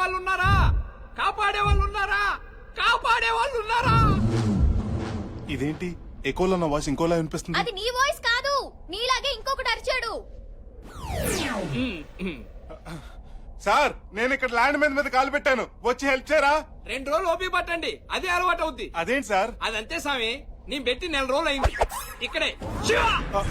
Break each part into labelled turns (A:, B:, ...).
A: వాళ్ళు ఉన్నారా? కాపాడే వాళ్ళు ఉన్నారా? కాపాడే వాళ్ళు ఉన్నారా?
B: ఇదేంటి ఎకోలో నా వాయిస్ ఇంకోలా వినిపిస్తుంది?
C: అది నీ వాయిస్ కాదు, నీలాగే ఇంకొకటి అరిచాడు.
B: సార్ నేను ఇక్కడ ల్యాండ్ మీద కాలు పెట్టాను, వచ్చి హెల్ప్ చేయరా?
A: 2 రోజులు ఓపి పట్టండి, అదే అలవాటు అవుద్ది.
B: అదేంటి సార్?
A: అదంతే స్వామి, నేను పెట్టి 4 రోజులు అయింది. ఇక్కడే శివ!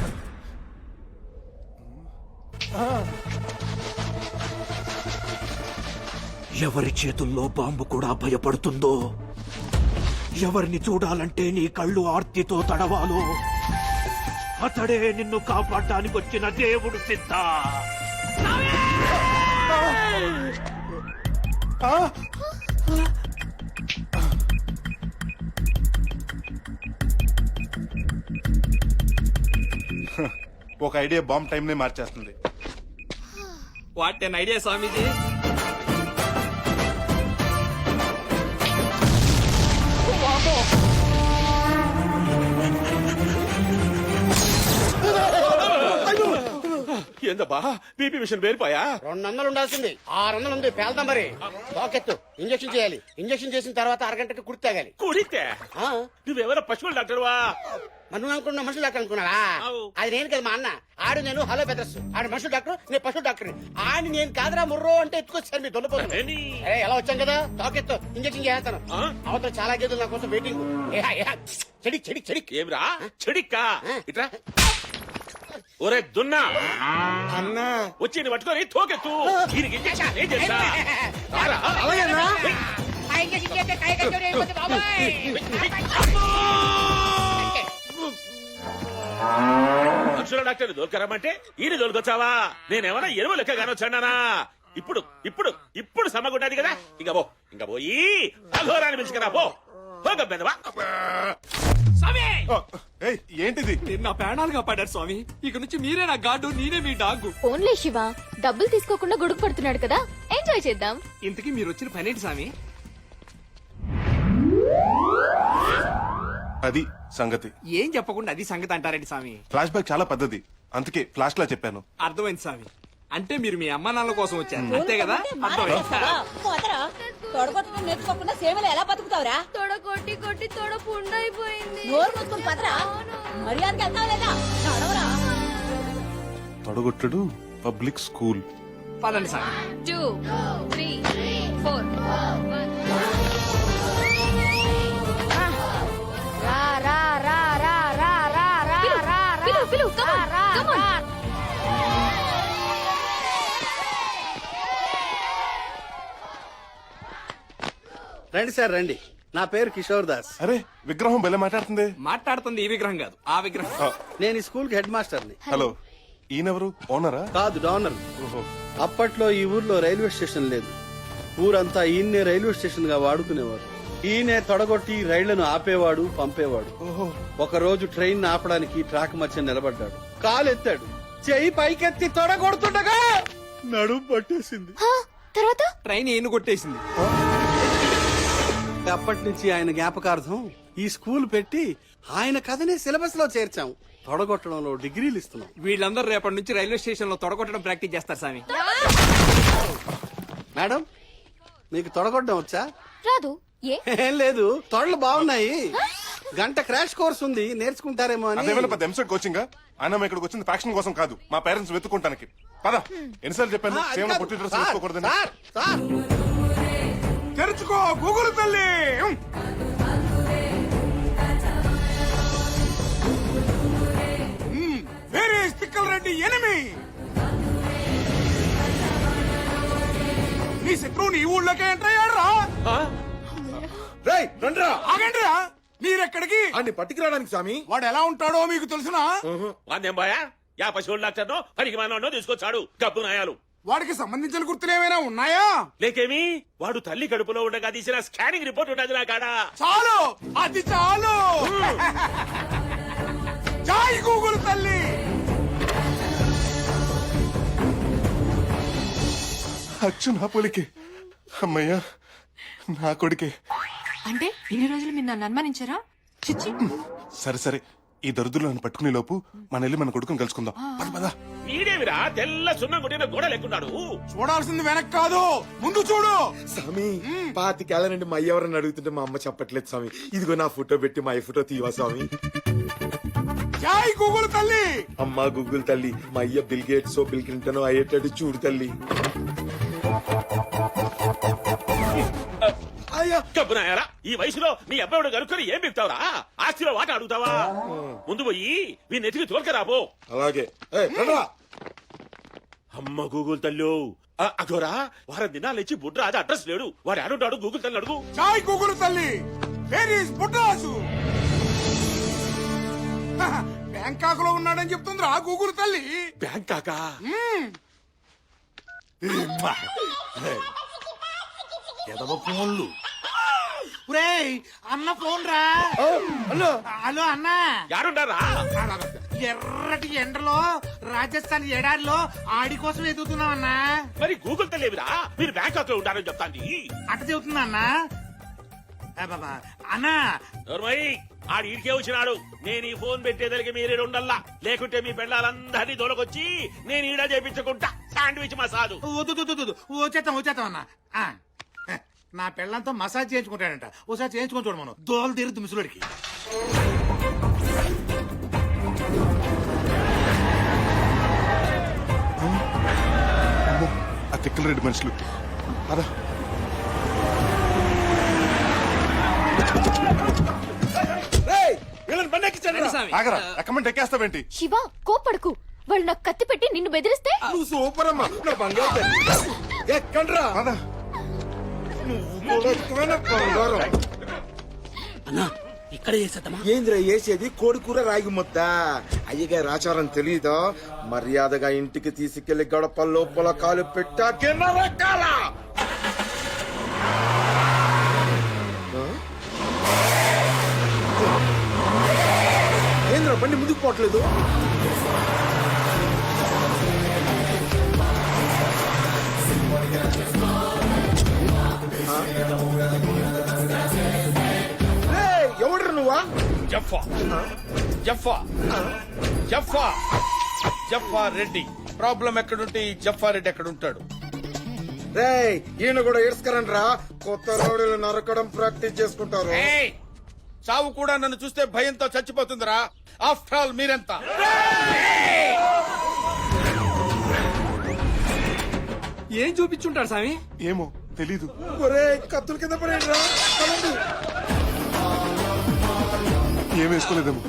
D: ఎవరి చేతుల్లో బాంబు కూడా భయపడుతుందో, ఎవరిని చూడాలంటే నీ కళ్ళు ఆర్తితో తడవాలో అతడే నిన్ను కాపాడడానికి వచ్చిన దేవుడు సిద్ధ.
B: ఒక ఐడియా బాంబ్ టైం నే మార్చేస్తుంది.
A: What an idea Swamiji.
E: ఏందబ్బా బీపీ మిషన్ పేరిపోయా?
F: 200 ఉండాల్సింది 600 ఉంది. పేల్దాం మరి. పాకెత్తు, ఇంజక్షన్ చేయాలి. ఇంజక్షన్ చేసిన తర్వాత అరగంటకి కుడి తాగాలి.
E: కుడితే నువ్వెవరో పశువుల డాక్టర్వా?
F: మనం అనుకున్న మనుషులు డాక్టర్ అనుకున్నావా?
E: అవు.
F: అది నేను కదా, మా అన్న. ఆడు నేను హలో పెద్దస్. ఆడు మనుషులు డాక్టర్, నేను పశువు డాక్టర్. ఆడి నేను కాదురా ముర్రో అంటే ఎత్తుకొచ్చారు మీ దొల్లపోతుంది. ఎలా వచ్చాం కదా, తాకెత్తు, ఇంజక్షన్ చేస్తాను. అవతల చాలా గేదెలు నా కోసం వెయిటింగ్. చెడిక్ చెడిక్ చెడిక్.
E: ఏమిరా చెడిక్కా? ఇట్రా. ఒరే దున్నా
F: అన్నా
E: వచ్చి పట్టుకొని తోకెత్తు. దీనికి ఇంజక్షన్ ఏం చేస్తా? మనుషుల డాక్టర్ దొరకరమ్మంటే ఈయన దొరకొచ్చావా? నేనేమన్నా ఎరువు లెక్క కానొచ్చానా? ఇప్పుడు ఇప్పుడు ఇప్పుడు సమ్మగుంటది కదా. ఇంకా పోయి అఘోరాన్ని పిలుచుకురా పో. పోగబ్బెదవా
A: స్వామి,
B: ఏంటిది?
A: మీరు నా ప్రాణాలు కాపాడారు స్వామి. ఇక నుంచి మీరే నా గాడు, నేనే మీ డాగు.
C: ఓన్లీ శివ డబ్బులు తీసుకోకుండా గొడుగు పడుతున్నాడు కదా, ఎంజాయ్ చేద్దాం.
A: ఇంతకీ మీరు వచ్చిన పనేంటి స్వామి?
B: అది సంగతి.
A: ఏం చెప్పకుండా అది సంగతి అంటారండి స్వామి.
B: ఫ్లాష్ బ్యాక్ చాలా పెద్దది, అందుకే ఫ్లాష్ లా చెప్పాను.
A: అర్థమైంది స్వామి. అంటే మీరు మీ అమ్మ నాన్నల కోసం వచ్చారు అంతే కదా? అర్థమైంది.
G: తొడగొట్టడం నేర్చుకోకుండా సేవలు ఎలా బతుకుతావురా?
C: తొడ కొట్టి కొట్టి తొడ పుండైపోయింది.
G: నోరు మూసుకుని పదరా. మర్యాదకి వెళ్తావు లేదా? నడవరా.
B: తొడగొట్టుడు పబ్లిక్ స్కూల్.
A: పదండి స్వామి.
C: 2 3 4 రా రా రా రా రా రా రా పిలు పిలు కమ్ ఆన్.
F: రండి సార్ రండి. నా పేరు కిషోర్ దాస్.
B: అరే విగ్రహం భలే మాట్లాడుతుంది.
A: మాట్లాడుతుంది ఈ విగ్రహం కాదు, ఆ విగ్రహం.
F: నేను ఈ స్కూల్ కి హెడ్ మాస్టర్ని.
B: హలో, ఈయనెవరు? ఓనరా?
F: కాదు, డోనర్.
B: ఓహో.
F: అప్పట్లో ఈ ఊర్లో రైల్వే స్టేషన్ లేదు. ఊరంతా ఈయన్నే రైల్వే స్టేషన్ గా వాడుకునేవారు. ఈయనే తొడగొట్టి రైళ్లను ఆపేవాడు, పంపేవాడు.
B: ఓహో.
F: ఒక రోజు ట్రైన్ ఆపడానికి ట్రాక్ మధ్య నిలబడ్డాడు. కాలెత్తాడు, చెయ్యి పైకెత్తి తొడగొడుతుండగా నడుము పట్టేసింది.
C: తర్వాత
A: ట్రైన్ ఈయన కొట్టేసింది.
F: అప్పటి నుంచి ఆయన జ్ఞాపకార్థం ఈ స్కూల్ పెట్టి ఆయన కథనే సిలబస్ లో చేర్చాం. తొడగొట్టడంలో డిగ్రీలు ఇస్తున్నాం.
A: వీళ్ళందరూ రేపటి నుంచి రైల్వే స్టేషన్ లో తొడగొట్టడం ప్రాక్టీస్ చేస్తారు స్వామి.
F: మేడం, మీకు తొడగొట్టడం వచ్చా?
C: రాదు.
F: ఏం లేదు, తొడలు బాగున్నాయి. గంట క్రాష్ కోర్స్ ఉంది, నేర్చుకుంటారేమో అని.
B: అదేమైనా పెద్ద ఎంసెట్ కోచింగ్? ఆయన ఇక్కడికి వచ్చింది ఫ్యాక్షన్ కోసం కాదు, మా పేరెంట్స్ వెతుక్కుంటానికి. పద. ఎన్నిసార్లు చెప్పాను
F: అది
B: సేవలో
F: కాదు.
B: పొట్టి డ్రెస్
F: సార్,
B: వేసుకోకూడదని.
F: Sir, sir.
B: తెరుచుకో గూగుల్ తల్లి.
A: వేరే స్టిక్కల్ రెడ్డి ఎనిమి. నీ శత్రువు నీ ఊళ్ళోకే ఎంటర్ అయ్యాడు రా.
E: రేయ్ రండ్రా.
A: ఆగండిరా, మీరెక్కడికి?
E: అన్ని పట్టుకురావడానికి స్వామి.
A: వాడు ఎలా ఉంటాడో మీకు తెలుసునా?
E: వాదేం బాయా? యా పశువుల డాక్టర్నో పనికి మానో తీసుకొచ్చాడు గబ్బు నాయాలు.
A: వాడికి సంబంధించిన గుర్తులు ఏమైనా ఉన్నాయా?
E: లేకేమి, వాడు తల్లి కడుపులో ఉండగా తీసిన స్కానింగ్ రిపోర్ట్ ఉండదు నా కాడ.
A: చాలు, అది చాలు. జై గూగుల్ తల్లి.
B: అచ్చు నా పోలికే. అమ్మయ్యా, నా కొడుకే.
G: అంటే ఇన్ని రోజులు మీరు నన్ను అనుమానించారా? చిచ్చి.
B: సరే సరే, ఈ దరిద్రులను పట్టుకునే లోపు మన వెళ్ళి మన కొడుకుని కలుసుకుందాం. పద పద.
E: వీడేవిరా తెల్ల సున్నం కొట్టిన గోడ లెక్కున్నాడు.
A: చూడాల్సింది వెనక్ కాదు ముందు చూడు.
H: స్వామి పాతికేళ్ల నుండి మా అయ్య ఎవరని అడుగుతుంటే మా అమ్మ చెప్పట్లేదు స్వామి. ఇదిగో నా ఫోటో పెట్టి మా అయ్య ఫోటో తీవా స్వామి.
A: జై గూగుల్ తల్లి.
H: అమ్మా గూగుల్ తల్లి, మా అయ్య బిల్ గేట్స్ బిల్ క్లింటన్ అయ్యేటట్టు చూడు తల్లి.
E: కబ్బునాయారా, ఈ వయసులో నీ అబ్బాయిడు కనుక్కొని ఏం బిగుతావురా? ఆస్తిలో వాట అడుగుతావా? ముందు పోయి వీని ఎతికి తోలుకరాబో.
H: అలాగే ఏయ్, రండ్రా.
E: అమ్మ గూగుల్ తల్లు అగోరా, వారం దినాలు ఇచ్చి బుడ్రాజు అడ్రస్ లేడు. వాడు ఆడుంటాడు, గూగుల్ తల్లి అడుగు.
A: జై గూగుల్ తల్లి. Where is బుడ్రాజు? బ్యాంకాక్ లో ఉన్నాడని చెప్తుంది రా గూగుల్ తల్లి.
E: బ్యాంకాకా?
A: ఎదవ ఫోన్లు. అన్న ఫోన్ రా.
F: హలో
A: హలో అన్న.
E: యారుండారా?
A: ఎర్రటి ఎండలో రాజస్థాన్ ఎడారిలో ఆడి కోసం ఎదుగుతున్నాం అన్నా.
E: మరి గూగుల్ తల్లి ఏమిరా? మీరు బ్యాంకాక్ లో ఉంటారని చెప్తాంది.
A: అట్ట చెబుతున్నా అన్నా. అన్నా
E: నోర్మయ్, ఆడి ఈడికే వచ్చినాడు. నేను ఈ ఫోన్ పెట్టేదలికి మీరే ఉండల్లా, లేకుంటే మీ పెళ్ళాలందరినీ దొరకొచ్చి నేను ఈడ చేపించుకుంటా. శాండ్విచ్ మసాదు.
A: వచ్చేస్తాం అన్నా. నా పెళ్ళంతో మసాజ్ చేయించుకుంటాడంట. ఒకసారి చేయించుకొని చూడు మనం. దోలు తీరుద్దు ముసలుడికి.
B: ఆ తిక్కల రెడ్డి మనుషులు. అదా ఆగరా, ఎక్కమంటే ఎక్కేస్తావేంటి?
C: శివ కోపడకు. వాళ్ళు నాకు కత్తి పెట్టి నిన్ను బెదిరిస్తే
H: నువ్వు సూపర్ అమ్మా, నా బంగారు తల్లి. ఎక్కండ్రా.
B: పద.
H: నువ్వు కూడా ఎక్కువైన బంగారం.
F: ఇక్కడ చేసేద్దామా?
H: ఏంద్రా వేసేది? కోడి కూర రాగి ముద్ద. అయ్యగారి ఆచారం తెలీదా? మర్యాదగా ఇంటికి తీసుకెళ్లి గడప లోపల కాలు పెట్టాకే నరకాల. ఏంద్రా బండి ముందుకు పోవట్లేదు? ఎవడ్రా నువ్వా?
I: జఫా జఫా జఫా జఫా రెడ్డి. ప్రాబ్లం ఎక్కడుంటే ఈ జఫా రెడ్డి ఎక్కడుంటాడు?
H: రేయ్ ఈయన కూడా ఏడ్స్కరండి రా. కొత్త రౌడీలు నరకడం ప్రాక్టీస్ చేసుకుంటారు.
I: ఏయ్, చావు కూడా నన్ను చూస్తే భయంతో చచ్చిపోతుందిరా. ఆఫ్టర్ ఆల్ మీరెంత?
A: ఏం చూపించుంటాడు స్వామి?
B: ఏమో తెలీదు.
H: ఒరే కత్తుల కింద పడేయండి రా. పదండి.
B: ఏం వేసుకోలేదేమో.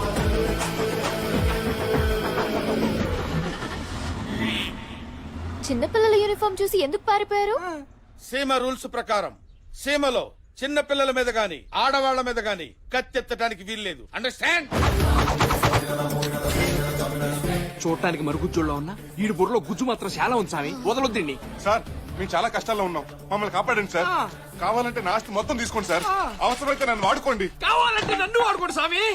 C: చిన్నపిల్లల యూనిఫామ్ చూసి ఎందుకు పారిపోయారు?
I: సీమ రూల్స్ ప్రకారం సీమలో చిన్న పిల్లల మీద గాని ఆడవాళ్ల మీద గాని కత్తెత్తడానికి వీల్లేదు. అండర్స్టాండ్?
A: చూడటానికి మరుగుజ్జుల్లో ఉన్నా ఈడు బుర్రలో గుజ్జు మాత్రం చాలా ఉంది స్వామి. వదలొద్దండి
B: సార్ మేము చాలా కష్టాల్లో ఉన్నాం, మమ్మల్ని కాపాడండి సార్. కావాలంటే నా ఆస్తి మొత్తం తీసుకోండి సార్. అవసరమైతే నన్ను వాడుకోండి.
A: కావాలంటే నన్ను వాడుకోండి స్వామి.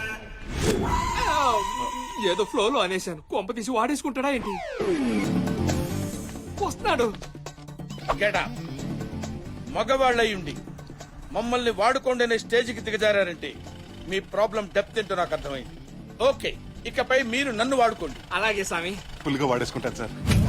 A: ఏదో ఫ్లోలో అనేశాను. కొంప తీసి వాడేసుకుంటాడా ఏంటి? వస్తున్నాడు.
I: గెడా మగవాళ్ళయ్యుండి మమ్మల్ని వాడుకోండి అనే స్టేజ్కి దిగజారంటే మీ ప్రాబ్లం డెప్త్ ఏంటో నాకు అర్థమైంది. ఓకే, ఇకపై మీరు నన్ను వాడుకోండి.
A: అలాగే స్వామి.
B: ఫుల్గా వాడేసుకుంటాను సార్.